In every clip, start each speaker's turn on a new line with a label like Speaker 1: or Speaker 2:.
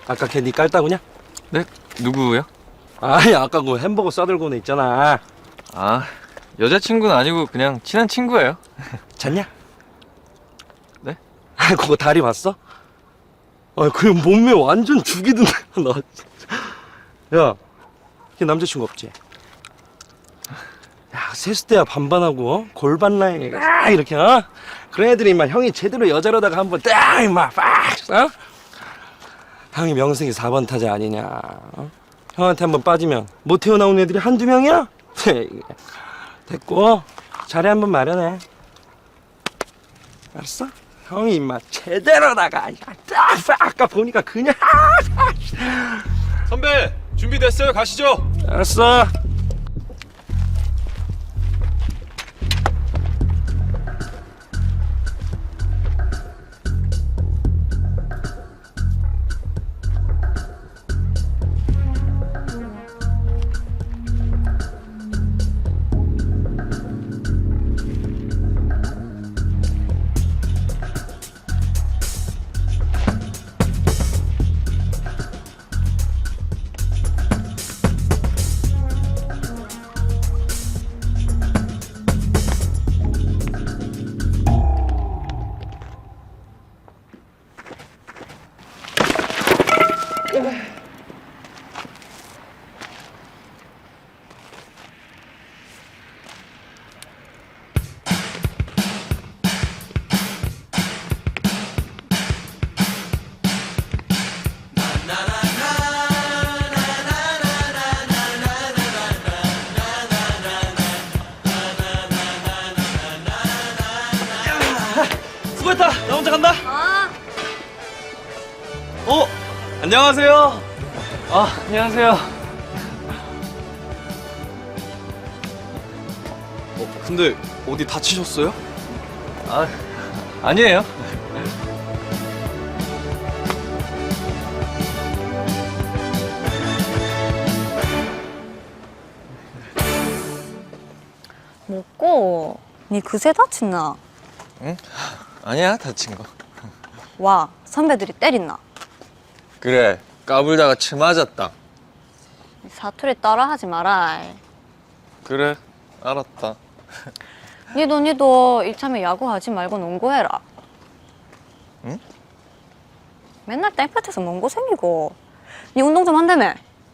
Speaker 1: 아까 걔 니 깔따구냐?
Speaker 2: 네? 누구요?
Speaker 1: 아니 아까 그 햄버거 싸들고 온 애 있잖아.
Speaker 2: 아, 여자친구는 아니고 그냥 친한 친구예요.
Speaker 1: 잤냐?
Speaker 2: 네?
Speaker 1: 아 그거 다리 봤어? 그 몸매 완전 죽이던데. 나 진짜. 야, 걔 남자친구 없지? 야 셋을 때야 반반하고 골반 라인 이렇게 그런 애들이 막 형이 제대로 여자로다가 한번 딱 임마 빡 형이 명색이 4번 타자 아니냐. 형한테 한번 빠지면 못 태어나온 애들이 한두 명이야? 됐고 자리 한번 마련해. 알았어? 형이 임마 제대로다가 아까 보니까 그냥
Speaker 3: 선배 준비됐어요. 가시죠.
Speaker 1: 알았어. 수고했다. 나 혼자 간다.
Speaker 2: 안녕하세요. 안녕하세요.
Speaker 3: 근데 어디 다치셨어요?
Speaker 2: 아니에요.
Speaker 4: 먹고 니 그새 다친나?
Speaker 2: 응? 아니야, 다친 거.
Speaker 4: 와 선배들이 때린나?
Speaker 2: 그래, 까불다가 침 맞았다.
Speaker 4: 사투리 따라하지 마라.
Speaker 2: 그래, 알았다.
Speaker 4: 니도 이참에 야구하지 말고 농구해라.
Speaker 2: 응?
Speaker 4: 맨날 땡볕에서 뭔고 생기고. 니 운동 좀 한다며?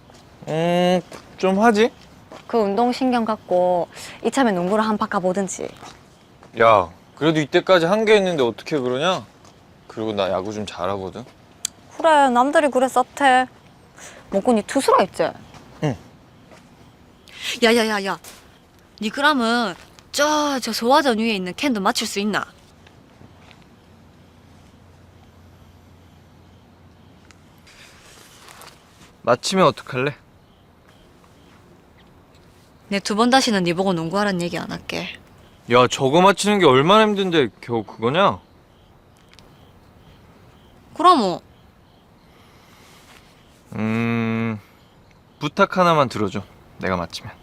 Speaker 2: 좀 하지?
Speaker 4: 그 운동 신경 갖고 이참에 농구를 한 판 가보든지.
Speaker 2: 야, 그래도 이때까지 한 게 있는데 어떻게 그러냐? 그리고 나 야구 좀 잘하거든.
Speaker 4: 그래 남들이 그래 썩태. 먹고 니 투수라 했지?
Speaker 2: 응.
Speaker 4: 야야야야 니 그러면 저 소화전 위에 있는 캔도 맞출 수 있나?
Speaker 2: 맞히면 어떡할래?
Speaker 4: 내 두 번 다시는 니 보고 농구하란 얘기 안 할게.
Speaker 2: 야, 저거 맞히는 게 얼마나 힘든데 겨우 그거냐?
Speaker 4: 그럼
Speaker 2: 부탁 하나만 들어줘. 내가 맞히면.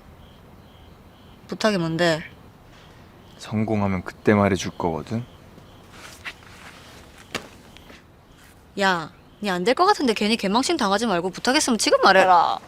Speaker 4: 부탁이 뭔데?
Speaker 2: 성공하면 그때 말해줄 거거든.
Speaker 4: 야, 니 안 될 것 같은데 괜히 개망신 당하지 말고 부탁했으면 지금 말해라.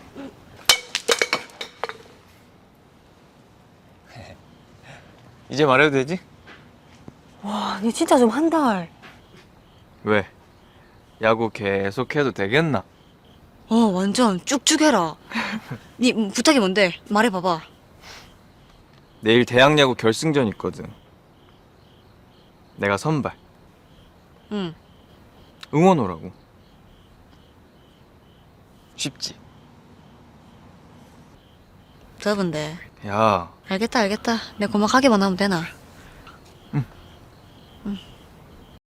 Speaker 2: 이제 말해도 되지?
Speaker 4: 와, 니 진짜 좀 한달.
Speaker 2: 왜? 야구 계속 해도 되겠나?
Speaker 4: 완전 쭉쭉 해라. 니 부탁이 뭔데? 말해봐봐.
Speaker 2: 내일 대학야구 결승전 있거든. 내가 선발.
Speaker 4: 응.
Speaker 2: 응원 오라고. 쉽지?
Speaker 4: 더운데.
Speaker 2: 야,
Speaker 4: 알겠다. 내 고막하기만 하면 되나?